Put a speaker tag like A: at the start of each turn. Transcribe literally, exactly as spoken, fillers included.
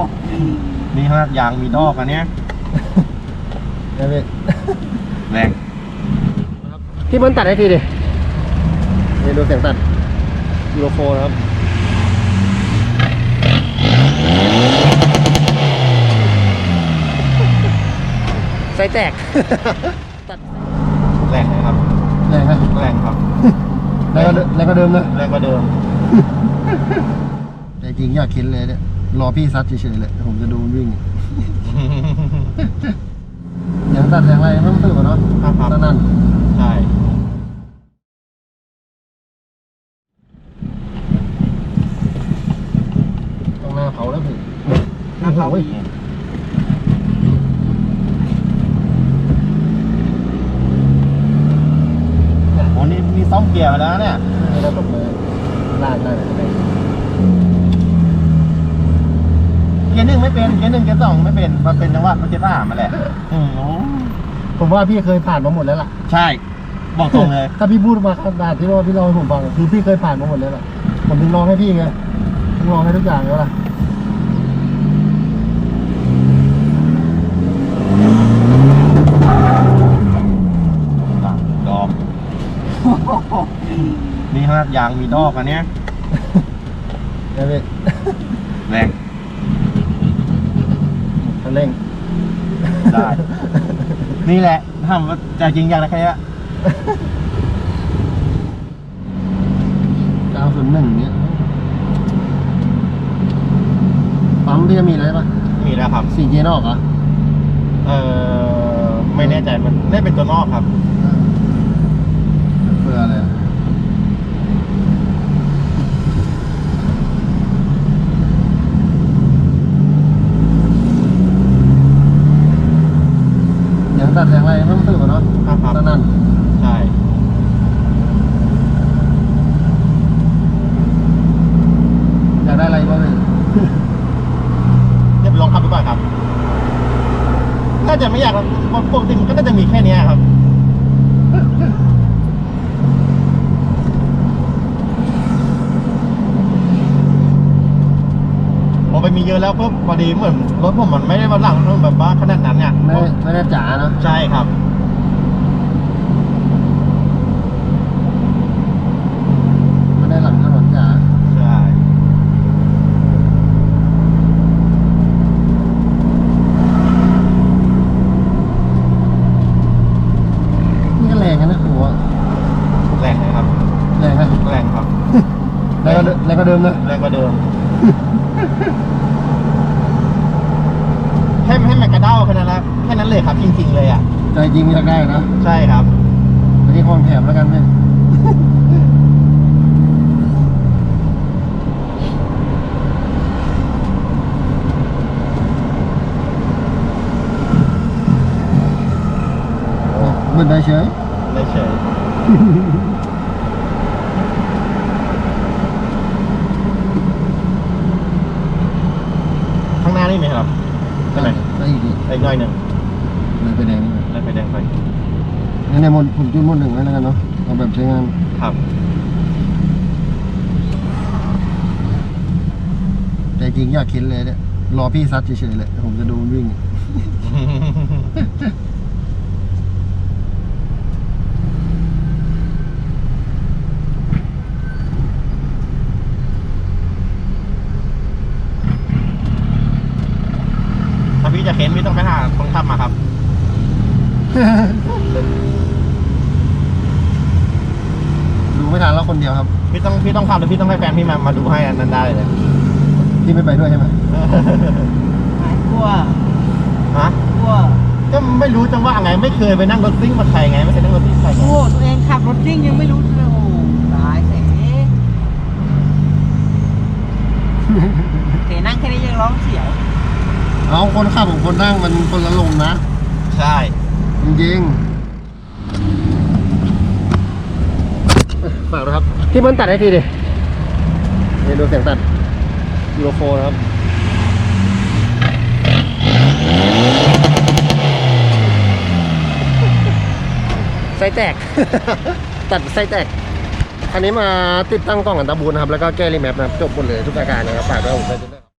A: นี่ขนาดยางมีดอกอันเนี้ยแรงพี่เบิ้ลตัดให้ทีดินี่ดูเสียงตัดยูโรโฟนะครับไส้แตกแรงนะครับแรงครับแรงครับแรงก็แรงก็เดิมนะแรงก็เดิมแต่จริงอยากคิดเลยเนี่ยรอพี่ซัดเฉยๆเลยผมจะดูมันวิ่งอย่างตัดอย่างไรไม่ต้องตื่นก่อนเนาะตอนนั้นใช่ต้องหน้าเผาแล้วพี่หน้าเผาอีกโอ้นี่มีซ่อมเกียร์แล้วเนี่ยนี่เราตกเลยลากได้เลยเกียร์หนึ่งไม่เป็นเกียร์หนึ่งเกียร์สองไม่เป็นมันเป็นจังหวะมันเกียร์สามมาแหละผมว่าพี่เคยผ่านมาหมดแล้วล่ะใช่บอกตรงเลยถ้าพี่พูดมาขนาดที่ว่าพี่เล่าให้ผมฟังคือพี่เคยผ่านมาหมดแล้วล่ะผมถึงลองให้พี่ไงผมลองให้ทุกอย่างแล้วล่ะดอกนี่ขนาดยางมีดอกอันเนี้ยแรงคันเร่งได้นี่แหละทำว่าใจจริงอย่างไรแค่นี้เก้าศูนย์หนึ่งเนี้ยปั๊มพี่จะมีอะไรปะมีแล้วครับสี่เกียร์นอกเหรอเออไม่แน่ใจมันน่าเป็นตัวนอกครับเพื่ออะไรอย่างตัดอย่างไรไม่ต้องตื่นก่อนเนาะตอนนั้นใช่อยากได้อะไรบ้างเนี่ยเดี๋ยวไปลองขับดูก่อนครับน่าจะไม่อยากปกติมันก็น่าจะมีแค่นี้ครับพอไปมีเยอะแล้วปุ๊บพอดีเหมือนรถผมมันไม่ได้มาหลังแบบว่าขนาดนั้นเนี่ยไม่ไม่ได้จ๋าเนาะใช่ครับไม่ได้หลังถนนจ๋าใช่นี่ก็แรงนะหัวแรงนะครับแรงนะแรงครับแรงก็แรงก็เดิมนะแรงก็เดิมให้ให้มันกระเด้าแค่นั้นละแค่นั้นเลยครับจริงๆเลยอ่ะใจจริงอยากได้นะใช่ครับอันนี้ความแถมแล้วกันพี่มันได้เฉยได้เฉยข้างหน้านี่ไหมครับใช่ไหมได้อีกอีกหน่อยหนึ่งเลยไฟแดงเลยไฟแดงไปงั้นในมดผมจุดมดหนึ่งไว้แล้วกันเนาะเอาแบบใช้งานครับแต่จริงอยากคิดเลยเนี่ยรอพี่ซัดเฉยๆเลยผมจะดูมันวิ่งพี่จะเข็นพี่ต้องไปหาคนขับมาครับดูไม่ทันแล้วคนเดียวครับพี่ต้องพี่ต้องขับแล้วพี่ต้องให้แฟนพี่มามาดูให้อันนั้นได้เลยพี่ไม่ไปด้วยใช่ไหมกลัวฮะกลัวก็ไม่รู้จังว่าไงไม่เคยไปนั่งรถซิ่งมาใครไงไม่เคยนั่งรถซิ่งใครโอ้ตัวเองขับรถซิ่งยังไม่รู้เลยโอ้ตายเสียเสียนั่งแค่นี้ยังร้องเสียวเอาคนขับกับคนนั่งมันคนละลมนะใช่จริงๆฝากนะครับพี่เบิ้ลตัดให้ทีดินี่ดูเสียงตัดยูโรโฟนะครับไส้แตก ตัดไส้แตกอันนี้มาติดตั้งกล้องอันตราบูนนะครับแล้วก็แก้รีแมปนะครับจบหมดเลยทุกอาการนะครับฝากด้วยผม